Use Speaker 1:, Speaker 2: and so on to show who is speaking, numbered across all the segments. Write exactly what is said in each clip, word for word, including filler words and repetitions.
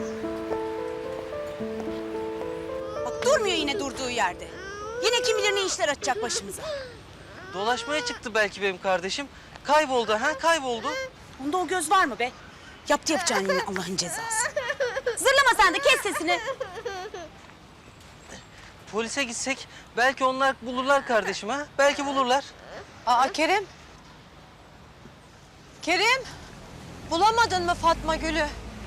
Speaker 1: Bak durmuyor yine durduğu yerde. Yine kim bilir ne işler açacak başımıza.
Speaker 2: Dolaşmaya çıktı belki benim kardeşim. Kayboldu ha, kayboldu.
Speaker 1: Onda o göz var mı be? Yaptı yapacağını yine Allah'ın cezası. Zırlama sen de, kes sesini.
Speaker 2: Polise gitsek belki onlar bulurlar kardeşim ha. Belki bulurlar.
Speaker 3: Aa Kerim. Kerim. Bulamadın mı Fatma Gül'ü?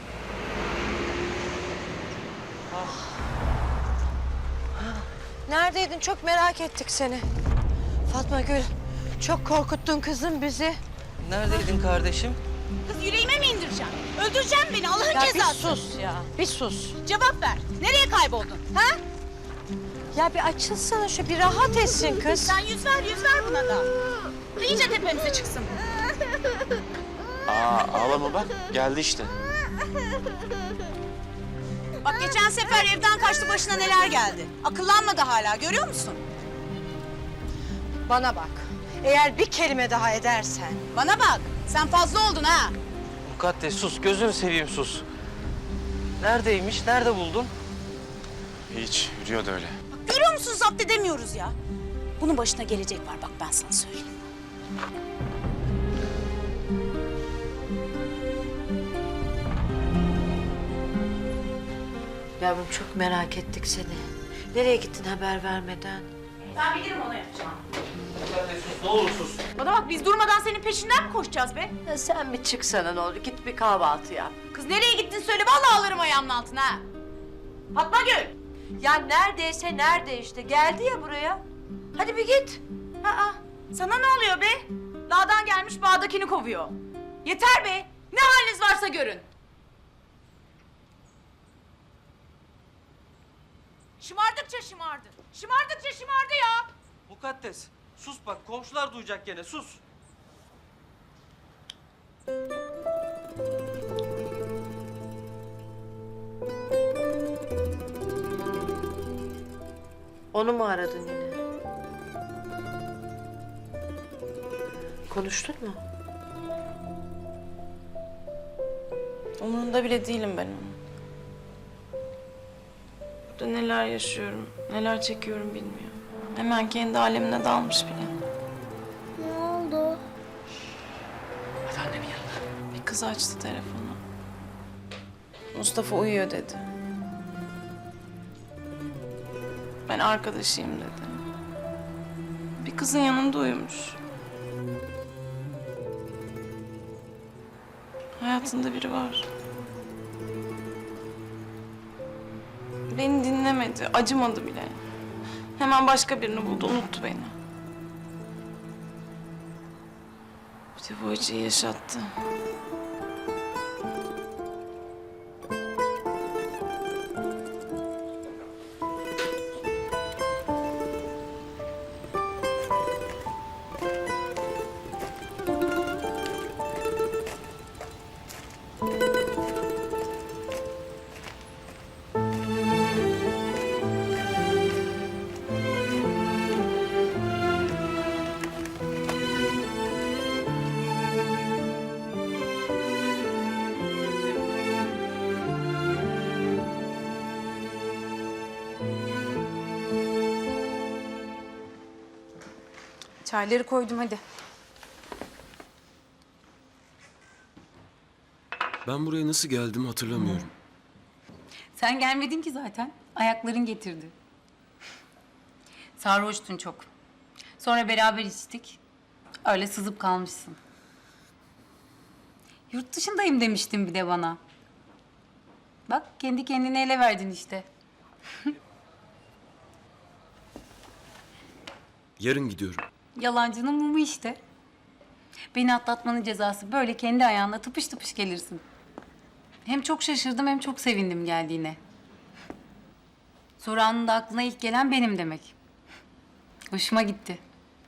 Speaker 3: Neredeydin? Çok merak ettik seni. Fatma Gül, çok korkuttun kızım bizi.
Speaker 2: Neredeydin kardeşim?
Speaker 1: Kız yüreğime mi indireceksin? Öldüreceksin beni Allah'ın
Speaker 3: Ya bir
Speaker 1: cezası.
Speaker 3: sus ya, bir sus.
Speaker 1: Cevap ver. Nereye kayboldun? Ha?
Speaker 3: Ya bir açılsana şu, bir rahat etsin kız.
Speaker 1: Sen yüz ver, yüz ver buna da. İyice tepemize çıksın.
Speaker 4: Aa ağlama bak geldi işte.
Speaker 1: Bak geçen sefer evden kaçtı, başına neler geldi. Akıllanmadı hala, görüyor musun?
Speaker 3: Bana bak, eğer bir kelime daha edersen...
Speaker 1: Bana bak, sen fazla oldun ha.
Speaker 2: Mukaddes sus, gözünü seveyim sus. Neredeymiş, nerede buldun?
Speaker 4: Hiç yürüyordu öyle.
Speaker 1: Bak görüyor musun, zapt edemiyoruz ya. Bunun başına gelecek var, bak ben sana söyleyeyim.
Speaker 3: Yavrum çok merak ettik seni. Nereye gittin haber vermeden?
Speaker 1: Ben bilirim onu yapacağım.
Speaker 2: Mukaddes sus, ne olur sus.
Speaker 1: Bana bak, biz durmadan senin peşinden mi koşacağız be?
Speaker 3: Ya sen bir çıksana ne olur, git bir kahvaltı yap.
Speaker 1: Kız nereye gittin söyle, vallahi alırım ayağımın altına ha. Fatma Gül.
Speaker 3: Ya neredeyse nerede işte, geldi ya buraya. Hadi bir git.
Speaker 1: Aa, sana ne oluyor be? Dağdan gelmiş bağdakini kovuyor. Yeter be, ne haliniz varsa görün. Şımardıkça şımardı. Şımardıkça şımardı ya.
Speaker 2: Mukaddes, sus bak, komşular duyacak gene, sus.
Speaker 3: Onu mu aradın yine? Konuştun mu?
Speaker 5: Umurunda bile değilim ben onun. Burada neler yaşıyorum, neler çekiyorum bilmiyor. Hemen kendi alemine dalmış bile.
Speaker 6: Ne oldu?
Speaker 2: Hadi annenin yanına.
Speaker 5: Bir kız açtı telefonu. Mustafa uyuyor dedi. Ben arkadaşıyım dedi. Bir kızın yanında uyumuş. Hayatında biri var. Beni dinlemedi, acımadı bile. Hemen başka birini buldu, unuttu beni. Bir de bu acıyı yaşattı.
Speaker 7: Çayları koydum hadi.
Speaker 8: Ben buraya nasıl geldim hatırlamıyorum.
Speaker 7: Sen gelmedin ki zaten. Ayakların getirdi. Sarhoştun çok. Sonra beraber içtik. Öyle sızıp kalmışsın. Yurt dışındayım demiştin bir de bana. Bak kendi kendine ele verdin işte.
Speaker 8: Yarın gidiyorum.
Speaker 7: Yalancının mumu işte. Beni atlatmanın cezası böyle kendi ayağına tıpış tıpış gelirsin. Hem çok şaşırdım hem çok sevindim geldiğine. Sonra anında aklına ilk gelen benim demek. Hoşuma gitti.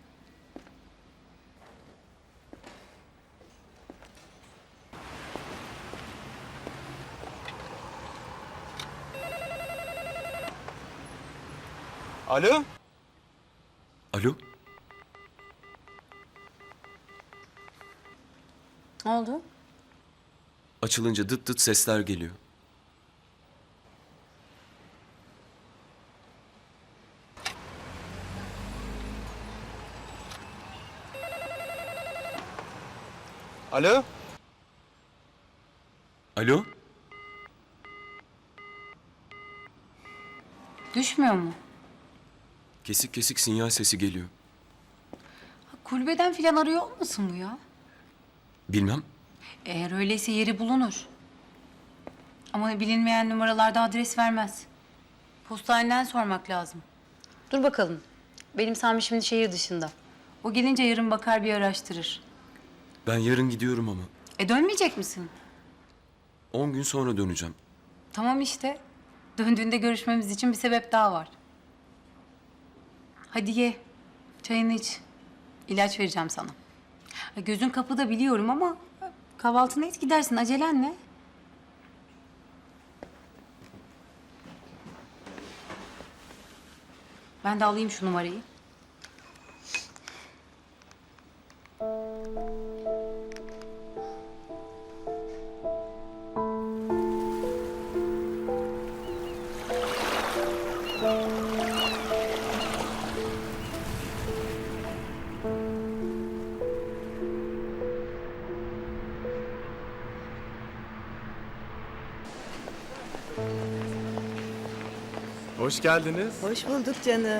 Speaker 4: Alo?
Speaker 8: Alo?
Speaker 7: Ne oldu?
Speaker 8: Açılınca dıt dıt sesler geliyor.
Speaker 4: Alo?
Speaker 8: Alo?
Speaker 7: Düşmüyor mu?
Speaker 8: Kesik kesik sinyal sesi geliyor.
Speaker 7: Ha, kulübeden falan arıyor olmasın bu ya?
Speaker 8: Bilmem.
Speaker 7: Eğer öyleyse yeri bulunur. Ama bilinmeyen numaralarda adres vermez. Postaneden sormak lazım. Dur bakalım. Benim Sami şimdi şehir dışında. O gelince yarın bakar bir araştırır.
Speaker 8: Ben yarın gidiyorum ama.
Speaker 7: E dönmeyecek misin?
Speaker 8: On gün sonra döneceğim.
Speaker 7: Tamam işte. Döndüğünde görüşmemiz için bir sebep daha var. Hadi ye. Çayını iç. İlaç vereceğim sana. Ha, gözün kapıda biliyorum ama kahvaltını et gidersin. Acelen ne? Ben de alayım şu numarayı.
Speaker 9: Hoş geldiniz.
Speaker 3: Hoş bulduk canım.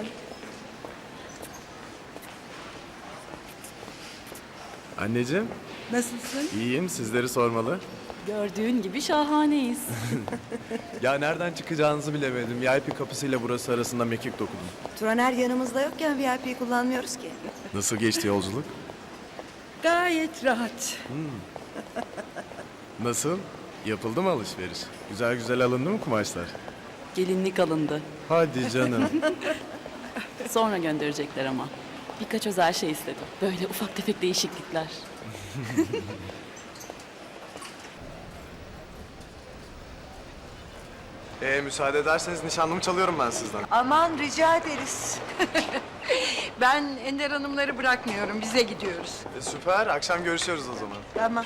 Speaker 9: Anneciğim,
Speaker 10: Nasılsın?
Speaker 9: iyiyim. Sizleri sormalı.
Speaker 10: Gördüğün gibi şahaneyiz.
Speaker 9: Ya nereden çıkacağınızı bilemedim. V I P kapısıyla burası arasında mekik dokudum.
Speaker 3: Turaner yanımızda yokken V I P'yi kullanmıyoruz ki.
Speaker 9: Nasıl geçti yolculuk?
Speaker 10: Gayet rahat.
Speaker 9: Nasıl? Yapıldı mı alışveriş? Güzel güzel alındı mı kumaşlar?
Speaker 10: Gelinlik alındı.
Speaker 9: Hadi canım.
Speaker 10: Sonra gönderecekler ama. Birkaç özel şey istedim. Böyle ufak tefek değişiklikler.
Speaker 9: Ee, müsaade ederseniz nişanlımı çalıyorum ben sizden.
Speaker 3: Aman rica ederiz. Ben Ender Hanımları bırakmıyorum. Bize gidiyoruz.
Speaker 9: E, süper. Akşam görüşüyoruz o zaman.
Speaker 3: Tamam.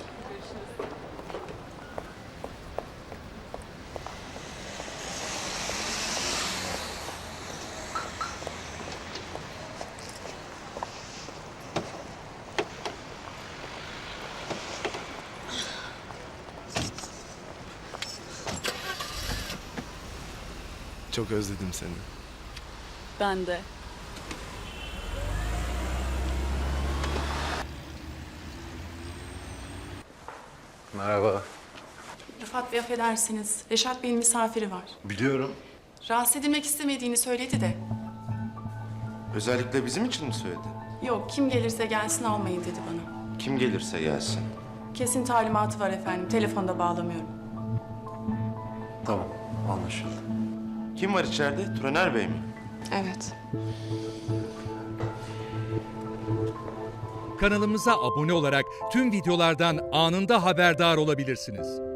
Speaker 9: Çok özledim seni.
Speaker 10: Ben de.
Speaker 9: Merhaba.
Speaker 5: Rıfat Bey affedersiniz. Reşat Bey'in misafiri var.
Speaker 4: Biliyorum.
Speaker 5: Rahatsız edilmek istemediğini söyledi de.
Speaker 4: Özellikle bizim için mi söyledi?
Speaker 5: Yok kim gelirse gelsin almayın dedi bana.
Speaker 4: Kim gelirse gelsin.
Speaker 5: Kesin talimatı var efendim. Telefonda bağlamıyorum.
Speaker 4: Tamam, anlaşıldı. Kim var içeride? Turaner Bey mi?
Speaker 5: Evet.
Speaker 11: Kanalımıza abone olarak tüm videolardan anında haberdar olabilirsiniz.